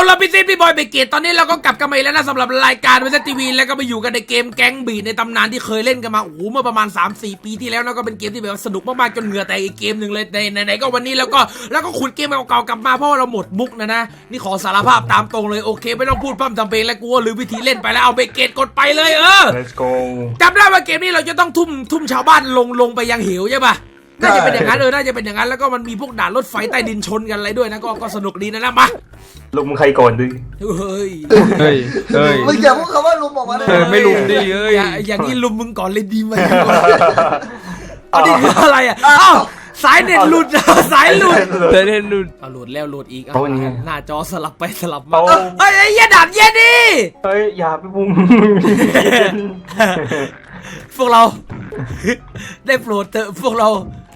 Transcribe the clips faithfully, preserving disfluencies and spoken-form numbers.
เราพี่ซิดพี่บอยเบเกตตอนนี้เราก็กลับกันมาอีกแล้วนะสำหรับรายการวิทยทีวีแล้วก็มาอยู่กันในเกมแก๊งบีในตำนานที่เคยเล่นกันมาโอ้โหเมื่อประมาณ สามสี่ ปีที่แล้วนะก็เป็นเกมที่แบบสนุกมากๆจนเหงื่อแตกอีกเกมหนึ่งเลยในไหนๆก็วันนี้แล้วก็แล้วก็ขุดเกมเก่าๆกลับมาเพราะว่าเราหมดมุกนะนะนี่ขอสารภาพตามตรงเลยโอเคไม่ต้องพูดพร่ำทำเพลงแล้วกูว่าลืมวิธีเล่นไปแล้วเอาเบเกตกดไปเลยเออ Let's go จำได้ว่าเกมนี้เราจะต้องทุ่มทุ่มชาวบ้านลงลงไปยังเหวใช่ปะน่าจะเป็นอย่างนั้นเออน่าจะเป็นอย่างนั้นแล้วก็มันมีพวกด่านรถไฟใต้ดินชนกันอะไรด้วยนะก็ก็สนุกดีนะนะมาลุมใครก่อนดิเฮ้ยเฮ้ยเฮ้ยมึงอย่าพูดคำว่าลุมออกมาเลยเออไม่ลุมดิเอ้ยอย่าอย่างนี้ลุมมึงก่อนเลยดีไหมอันนี้คืออะไรอ่ะอ้าวสายเน็ตหลุดสายหลุดเธอเล่นดูเอาหลุดแล้วหลุดอีกโอ้นี่หน้าจอสลับไปสลับมาโอ้เฮ้ยไอ้เหี้ยด่านเย็นดิเฮ้ยอย่าไปบุ้มพวกเราได้โปรดเถอะพวกเรา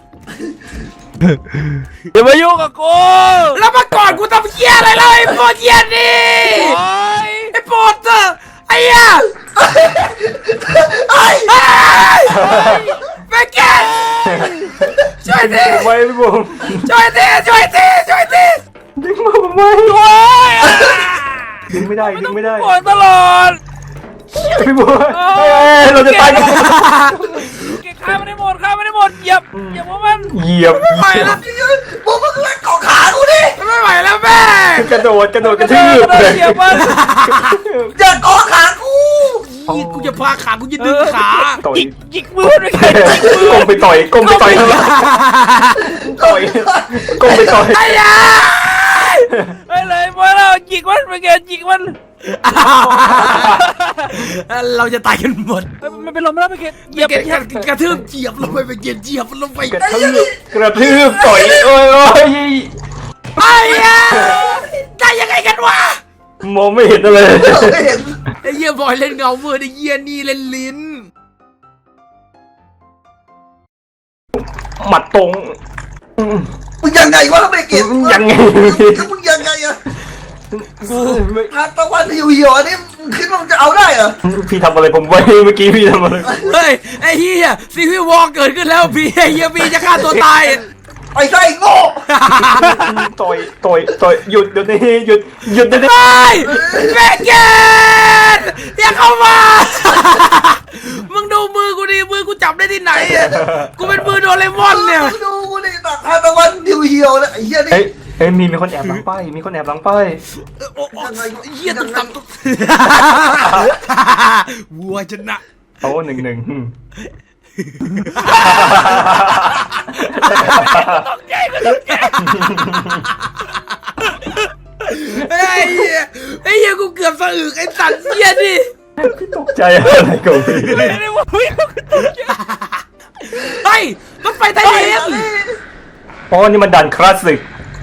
อย่ามายุ่งกับกูแล้วมาก่อนกูทำเหี้ยอะไรเลยไอ้โปรดเย็นดิโอ้ยไอ้โปรดเถอะไอ้เหี้ยไอ้แม่แกช่วยทีไว้พี่บุ้มช่วยทีช่วยทีช่วยทีดึงมาผมไว้โอ้ยดึงไม่ได้ดึงไม่ได้ปวดตลอดพี่บุ้มเฮ้ยเราจะตายกันเก็บข้าไม่ได้หมดข้าไม่ได้หมดเหยียบเหยียบพวกมันเหยียบไม่ไหวแล้วมึงมึงเล่นเกาะขากูดิไม่ไหวแล้วแม่กระโดดกระโดดกระเอทือบ เหยียบมันอย่าเกาะขากูยี่กูจะพาขากูจะดึงขาต่อยจิกจิกมือด้วยกันจิกมือก้มไปต่อยก้มไปต่อยข้างหลังต่อยก้มไปต่อยไอ้ยาไอ้เลยมาแล้วจิกมันไปแกจิกมันเราจะตายกันหมดมันเป็นลมแล้วไปแกเหยียบกระกระทืบเจียบลงไปไปเจียบเจียบลงไปกระทืบกระทืบต่อยโอ้ยโอ้ยไอ้ยาได้ยังไงกันวะมองไม่เห็นอะไรไม่เห็นไอ้เหี้ยบอยเล่นเงาเมื่อไอ้เหี้ยนี่เล่นลิ้นหมัดตรงมึงยังไงวะไม่เก็บยังไงมึงยังไงอะกูทานตะวันอยู่เหี่ยวอันนี้มึงคิดว่ามึงจะเอาได้เหรอพี่ทำอะไรผมไว้เมื่อกี้พี่ทำอะไรเฮ้ยไอ้เหี้ยซีรีส์วอลเกิดขึ้นแล้วพี่ไอ้เหี้ยพี่จะฆ่าตัวตายไอ้ไส้โง่ต่อยต่อยต่อยหยุดเดี๋ยวนี้หยุดหยุดเดี๋ยวนี้ไอ้แม่เกนอย่าเข้ามามึงดูมือกูดิมือกูจับได้ที่ไหนอะกูเป็นมือโดเรมอนเนี่ยมึงดูกูดิตักทานตะวันอยู่เหี่ยวนะไอ้เหี้ยนี่เฮ้ยเฮ้ยมีมีคนแอบหลังป้ายมีคนแอบหลังป้ายโอ้โหเหี้ยตุ๊กตับตุ๊กวัวชนะโอ้หนึ่งหนึ่งไอ้เหี้ยไอ้เหี้ยกูเกือบสะอึกไอ้สัตว์เหี้ยดิตกใจอะไรกับพี่ไม่ได้ว่าพี่เฮ้ยรถไฟไทยเองอ๋อนี่มันดันคลาสสิก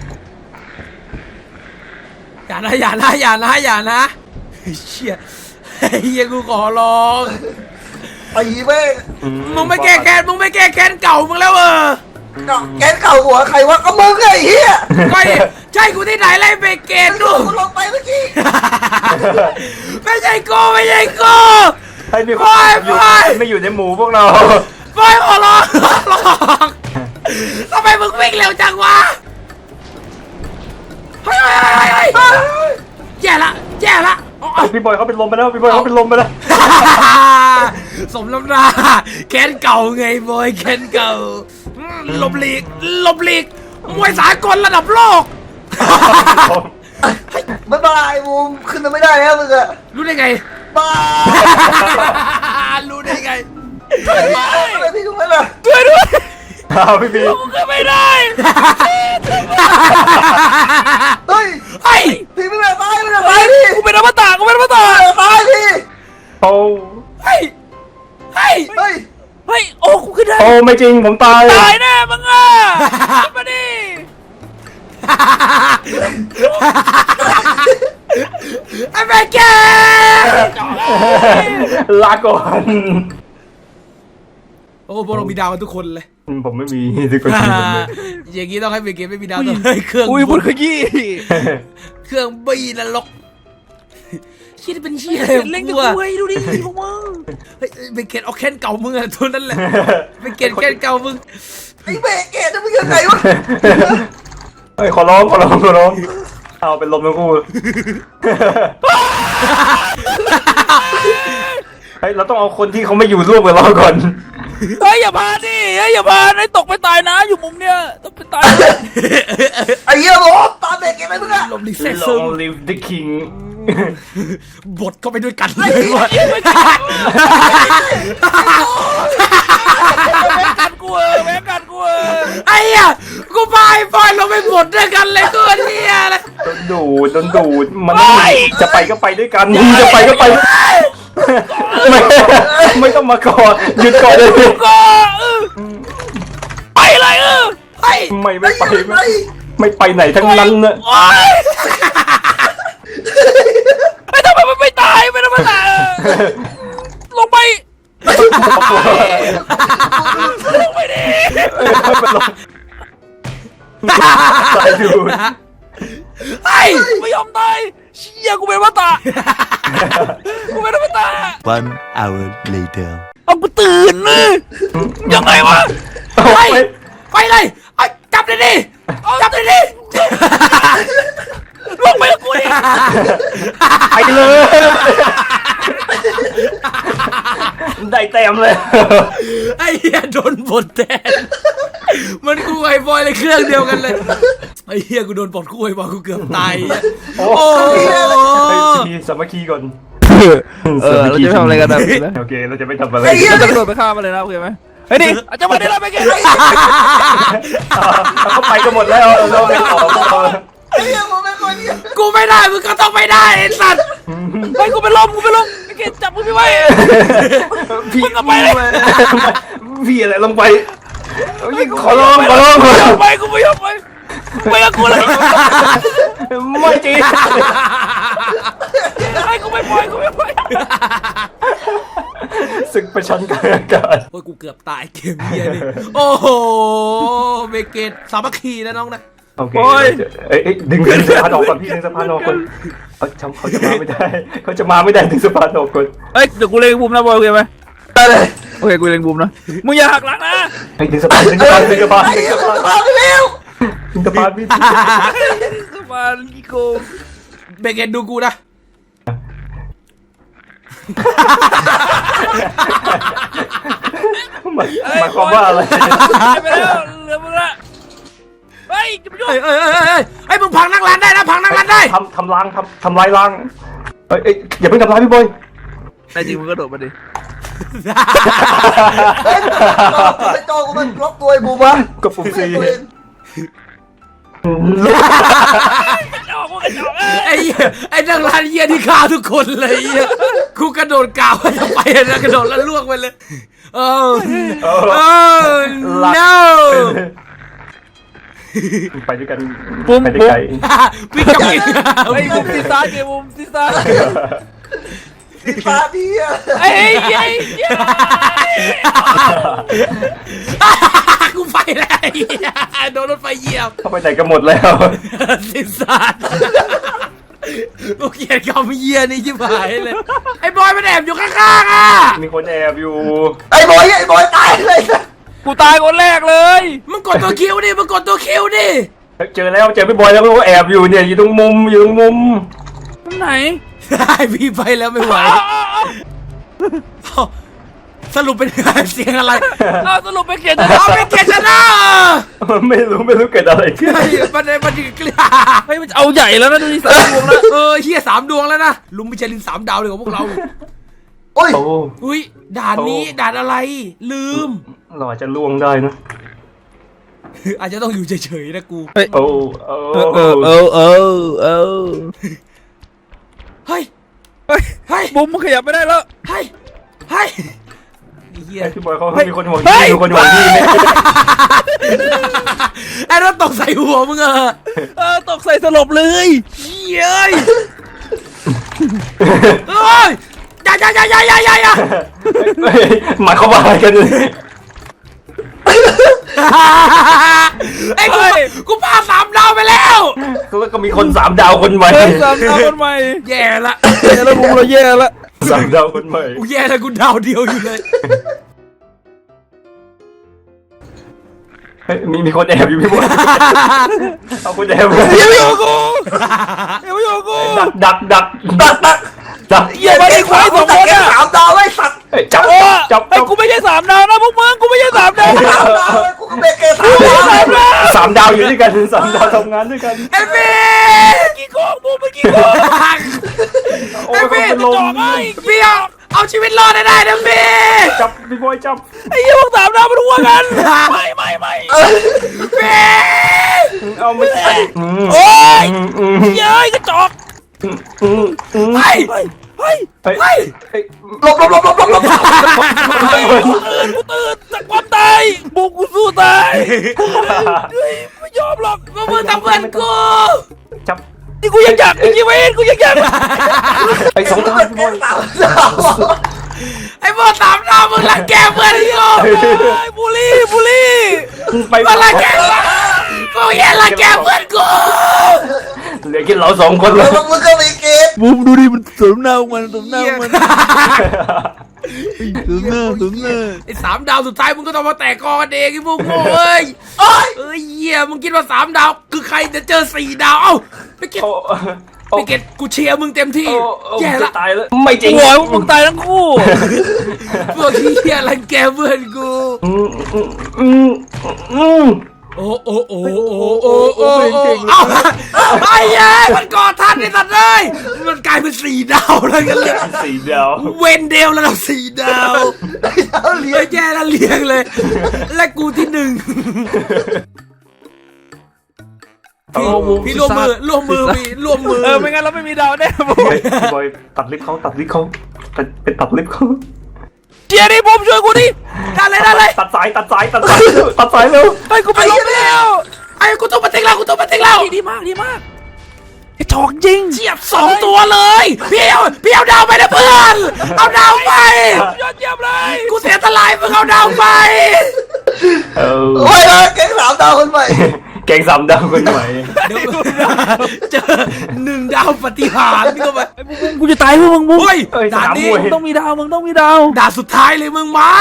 อย่านะอย่านะอย่านะอย่านะเชี่ยไอ้เหี้ยกูขอร้องไอ้แม่งมึงไม่แก้แค้นมึงไม่แก้แค้นเก่ามึงแล้วเออแกนเก่าหัวใครวะก็มึงไอ้เหี้ยไม่ใช่กูที่ไหนไล่เบเกตดูกูลงไปเมื่อกี้ไม่ใช่กูไม่ใช่กูให้มีคนไปอยู่ไปไม่อยู่ในหมู่พวกเราไปขอร้องขอร้องทำไมมึงวิ่งเร็วจังวะเฮ้ยเฮ้ยเฮ้ยเฮ้ยแย่ละแย่ละอ๋อพี่บอยเขาเป็นลมไปแล้วพี่บอยเขาเป็นลมไปแล้วสมน้ำหน้าแค้นเก่าไงบอยแค้นเก่าอืมหลบหลีกหลบหลีกมวยสากลระดับโลกบ๊ายบายบูมขึ้นมาไม่ได้แล้วมึงอะรู้ได้ไงบายรู้ได้ไงอะไรพี่กูไม่ล่ะช่วยด้วยอ้าวพี่บีกูก็ไม่ได้เฮ้ยไอ้พี่ไม่แบบตายไม่แบบตายพี่กูเป็นอมตะกูเป็นอมตะไม่แบบตายพี่โอ้ไอ้ไอ้เฮ้ยเฮ้ยโอ้กูขึ้นได้โอ้ไม่จริงผมตายตายแน่มึงอ่ะขึ้นมาดิไอ้แม่แกลาก่อนโอ้พวกเรามีดาวกันทุกคนเลยผมไม่มีทุกคนอย่างนี้ต้องให้เบเกตไม่มีดาวต้องให้เครื่องอุ้ยบุญขยี้เครื่องบีนรกเชี่ยเป็นเชี่ยอะไรเล่นกูกับอะกูไอ้ดูดิพวกมึงเฮ้ยเบเกตเอาแค้นเก่ามึงอะตัวนั้นแหละเบเกตแค้นเก่ามึงไอ้เบรกเกตจะมึงยังไงวะเฮ้ยขอร้องขอร้องขอร้องเอาเป็นลมทั้งคู่เฮ้ยเราต้องเอาคนที่เขาไม่อยู่ร่วมกับเราก่อนเฮ้ยอย่าพาดิเฮ้ยอย่าพาไอ้ตกไปตายนะอยู่มุมเนี้ยต้องไปตายไอ้เหี้ยบอกตามเด็กเก็บไปเพื่อนลมดีแซ่ซึม Long live the king บทเข้าไปด้วยกันเลยว่ะแม่งกันกูเออแม่งกันกูเออไอ้เหี้ยกูพาไอ้บอยลงไปบทด้วยกันเลยตัวเนี้ยเลยโดนดูดโดนดูดมันจะไปก็ไปด้วยกันจะไปก็ไปไม่ไม่ต้องมาก่อนหยุดก่อนเลยก็เออไปเลยเออไอ้ไม่ไม่ไปไม่ไม่ไปไหนทั้งนั้นนะโอ๊ยไม่ทำไมมันไม่ตายไม่ทำไมตายลงไปลงไปดิตายดูไอ้ไม่ยอมตายเชี่ยกูเป็นว่าตากูเป็นว่าตา One hour later. เอากูตื่นเลยยังไงวะไปไปเลยไอ้จับเลยดิจับเลยดิลงไปกับกูดิไปเลยได้เต็มเลยไอ้เหี้ยโดนบทแทนมันกูไอ้บอยเลยเครื่องเดียวกันเลยไอ้เหี้ยกูโดนบทคู่ไอ้บอยกูเกือบตายโอ้โหมีสามัคคีก่อนเออเราจะทำอะไรกันนะโอเคเราจะไม่ทำอะไรเราจะกระโดดไปฆ่ามันเลยนะโอเคไหมเฮ้ยดิอาจจะมาได้แล้วไปกันเขาไปกันหมดแล้วเราไม่ขอไอ้เหี้ยผมเป็นคนเหี้ยกูไม่ได้มึงก็ต้องไม่ได้ไอ้สัตว์ไปกูไปล้มกูไปล้มไอ้เกศจับมึงพี่ไว้พี่มึงก็ไปเลยพี่อะไรลงไปขอร้องขอร้องกูไม่ยอมไปกูไม่ยอมไปไปกับกูเลยไม่จริงไอ้กูไม่ปล่อยกูไม่ปล่อยศึกประชันกันอากาศโอ้ยกูเกือบตายเกมเฮียนี่โอ้โหเบเกตสามัคคีนะน้องนะโอเคเอ้ยดึงสะพานออกก่อนพี่ดึงสะพานออกก่อนเขาเขาจะมาไม่ได้เขาจะมาไม่ได้ดึงสะพานออกก่อนเฮ้ยเดี๋ยวกูเล็งบูมนะบอยโอเคไหมได้เลยโอเคกูเล็งบูมนะมึงอย่าหักหลังนะให้ดึงสะพานดึงสะพานดึงสะพานไอ้ดึงเหี้ยสะพานมาเร็วดึงสะพานพี่สะพานกิโกเบเกตดูกูนะหมายความว่าอะไรไปแล้วเหลือมึงละเฮ้ยจะไปยุ่งเอ้ยเอ้ยเอ้ยเอ้ยไอ้ยมึงพังนั่งร้านได้นะพังนั่งร้านได้ทำทำล้างทำทำลายล้างเอ้ยอย่าเพิ่งทำร้ายพี่บอยไอ้จริงมึงก็โดดมาดิเฮ้ยไอ้โจกูมันล็อกตัวไอ้บูมะกดปุ่มซีออกกูกระจอกเอ้ยไอ้เหี้ยไอ้นั่งร้านเฮียที่ฆ่าทุกคนเลยเหี้ยกูกระโดดกาวจะไปนะกระโดดแล้วล่วงไปเลยโอ้โอ้ no ไปด้วยกันปุ๊มไปได้ปุ๊มไกลพี่กับพี่ไอ้มุมซีซ่าเกมมุมซีซ่าสีฟ้าดีอะไอ้ไอ้ไอ้กูไปแล้วไอ้เหี้ยโดนรถไฟเหยียบเข้าไปไหนกันหมดแล้วสิสัตว์กูเกลียดคำเยียนี่ชิบหายเลยไอ้บอยมันแอบอยู่ข้างๆอ่ะมีคนแอบอยู่ไอ้บอยไอ้บอยตายเลยกูตายคนแรกเลยมึงกดตัวคิวดิมึงกดตัวคิวดิเจอแล้วเจอพี่บอยแล้วก็แอบอยู่เนี่ยอยู่ตรงมุมอยู่ตรงมุมตรงไหนได้พี่ไปแล้วไม่ไหวสรุปเป็นเสียงอะไรเอาสรุปไปเขียนจะเอาเป็นเกชนะไม่รู้ไม่รู้เกิดอะไรขึ้นเฮ้ยมันมันเกลียเฮ้ยมันเอาใหญ่แล้วนะดูดิสามดวงแล้วเออเฮียสามดวงแล้วนะลุงมิชลินสามดาวเลยของพวกเราโอ้ยโอ้อุ้ยด่านนี้ด่านอะไร ลืมเราอาจจะล่วงได้นะอาจจะต้องอยู่เฉยๆนะกูโอ้โอ้เออเออเออเออเฮ้ยเฮ้ยเฮ้ยบุ้มมันขยับไม่ได้แล้วเฮ้ยเฮ้ยเฮียพี่บอยเขามีคนห่วงเฮ้ที่ยมีคนห่วงที่เนี่ยไอ้รถตกใส่หัวมึงเออเออตกใส่สลบเลยเย้ยเอ้ยอย่าอย่าอย่าอย่าอย่าอย่าอย่าหมายความว่าอะไรกันไอ้กูกูพาสามดาวไปแล้วแล้วก็มีคนสามดาวคนใหม่เฮ้ยสามดาวคนใหม่แย่ละแย่แล้วบุ้มเราแย่แล้วสามดาวคนใหม่กูแย่แล้วกูดาวเดียวอยู่เลยฮ้ยมีมีคนแอบอยู่พี่บอยเอาคนแอบเลยอย่ามาอยู่กับกูอย่ามาอยู่กับกูดักดักดักดักดักดักอย่ามาได้ควายสองคนแกอ่ะสามดาวไอ้สัตว์เฮ้ยจับโอ้จับไอ้จับกูไม่ใช่สามดาวนะพวกมึงกูไม่ใช่สามดาวสามดาวไอ้กูก็เป็นเกย์สามดาวสามดาวสามดาวอยู่ด้วยกันสามดาวทำงานด้วยกันไอ้พี่กี่โกงกูไม่กี่โกงโอ้ยคนเป็นลมจอกไอ้พี่เอาเอาชีวิตรอดได้ได้นะพี่จับพี่บอยจับไอ้เหี้ยพวกสามดาวมันหัวกันไม่ไม่ไม่พี่เอาไม่ใช่อืมโอ้ยอืมอืมเย้ยกระจอกอืมอืมไอ้เฮ้ยเฮ้ยเฮ้ยเฮ้ยเฮ้ยหลบหลบหลบหลบหลบหลบกูตื่นกูตื่นจากความตายบุกกูสู้ตายเฮ้ยไม่ยอมหรอกพวกมึงทำเพื่อนกูจับนี่กูยังอยากมีชีวิตกูยังอยากไอ้สองดาวเป็นพี่เกบอยย์สามดาวไอ้พวกสามดาวมึงรังแกเพื่อนกูไอ้บุลี่บุลี่ไปมึงรังแกกูแย่รังแกเพื่อนกูเหลือแค่เราสองคนเลแล้ยวมึงก็มีเกย์บูมดูดิมันสมหน้ามันสมหน้ามันสมหน้าสมหน้าไอ้สามดาวสุดท้ายมึงก็ต้องมาแตกกอกันเองไอ้พวกโง่เอ้ยโอ้ยเอ้ยเหี้ยมึงคิดว่าสามดาวคือใครจะเจอสี่ดาวเอ้าไปเก็ตโอ้โอ้ไปเก็ตกูเชียร์มึงเต็มที่โอ้โอ้แย่ละตายแล้วไม่จริงโอ้ยมึงตายทั้งคู่พวกเหี้ยรังแกเพื่อนกูอืมอืมอืมอืมโอ้โอ้โอ้โอ้โอ้โอ้โอ้เอ้าไอ้เย้ยมันกอดทันไอ้สัตว์เลยมันกลายเป็นสี่ดาวแล้วกันเลยสี่ดาวเวนเดลระดับสี่ดาวเอาเหรียเฮ้ญยแย่แล้วเลี้ยงเลย และกูที่หนึ่งพี่พี่ร่วมมือร่วมมือพี่ร่วมมือเออไม่งั้นเราไม่มีดาวแน่บูมเฮ้ยพี่บอยตัดลิฟต์เขาตัดลิฟต์เขาตัดเป็นตัดลิฟต์เขาเจียดิบูมช่วยกูดิได้เลยได้เลยตัดสายตัดสายตัดสายตัดสายเร็วไอ้กูไปลบแล้วไอ้กูต้องมาเต็งแล้วกูต้องมาเต็งแล้วดีมากดีมากไอ้จอกจริงเจียบสองตัวเลยพี่เอาพี่เอาดาวไปนะเพื่อนเอาดาวไปยอดเยี่ยมเลยกูเสียตลายมึงเอาดาวไปเออโอ้ยเกย์สามดาวคนใหม่แกงสามดาวคนใหม่เดี๋ยวเจอหนึ่งดาวปฏิหารนี่ก็ไปไอ้บูมกูจะตายเพื่อมึงบูมเฮ้ยเอ้ยสด่านนามนี้มวยมึงต้องมีดาวมึงต้องมีดาวด่านสุดท้ายเลยมึงมา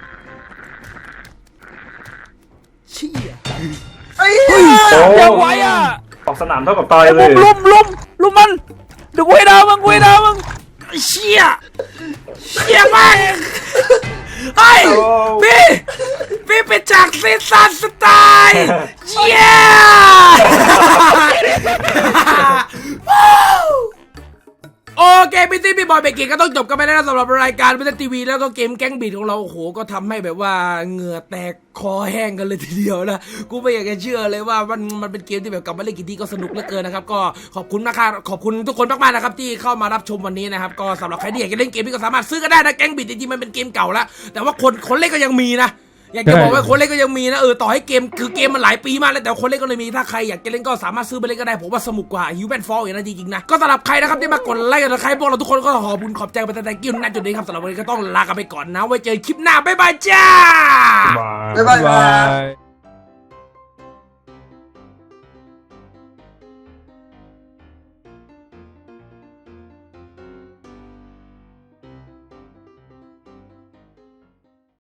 เชี่ยไอ้เหี้ยโอ้ยังไหวอ่ะออกสนามเท่ากับตายไอ้เลบูยมลุมลุมลุมมันเดี๋ยวกูให้ดาวมึงกูให้ดาวมึงไอ้เชี่ยเชี่ยมากเฮ้ยพี่พี่เป็นจากซีซันสไตล์เชี่ยโอเคพี่ตี้พี่บอยเบรกเกก็ต้องจบกันไปแล้วนะสำหรับรายการพิเศษทีวีแล้วก็เกมแก๊งบีดของเราโอ้โหก็ทำให้แบบว่าเหงื่อแตกคอแห้งกันเลยทีเดียวนะกูไม่อยากจะเชื่อเลยว่ามันมันเป็นเกมที่แบบกลับมาเล่นกี่ทีก็สนุกเหลือเกินนะครับก็ขอบคุณมากครับขอบคุณทุกคนมากๆนะครับที่เข้ามารับชมวันนี้นะครับก็สำหรับใครที่อยากจะเล่นเกมนี้ก็สามารถซื้อกันได้นะแก๊งบีดจริงๆมันเป็นเกมเก่าแล้วแต่ว่าคนคนเล่นก็ยังมีนะอยากจะบอกว่าคนเล่นก็ยังมีนะเออต่อให้เกมคือเกมมันหลายปีมากแล้วแต่คนเล่นก็เลยมีถ้าใครอยากจะเล่นก็สามารถซื้อไปเล่นก็ได้ผมว่าสนุกกว่า Human Fall อย่างนั้นจริงๆนะก็สำหรับใครนะครับที่มากดไลค์กันใครพวกเราทุกคนก็ขอบคุณขอบใจไปแต่แต่กิ้วณจุดนี้ครับสำหรับวันนี้ก็ต้องลากันไปก่อนนะไว้เจอคลิปหน้าบ๊ายบายจ้ามาบ๊ายบาย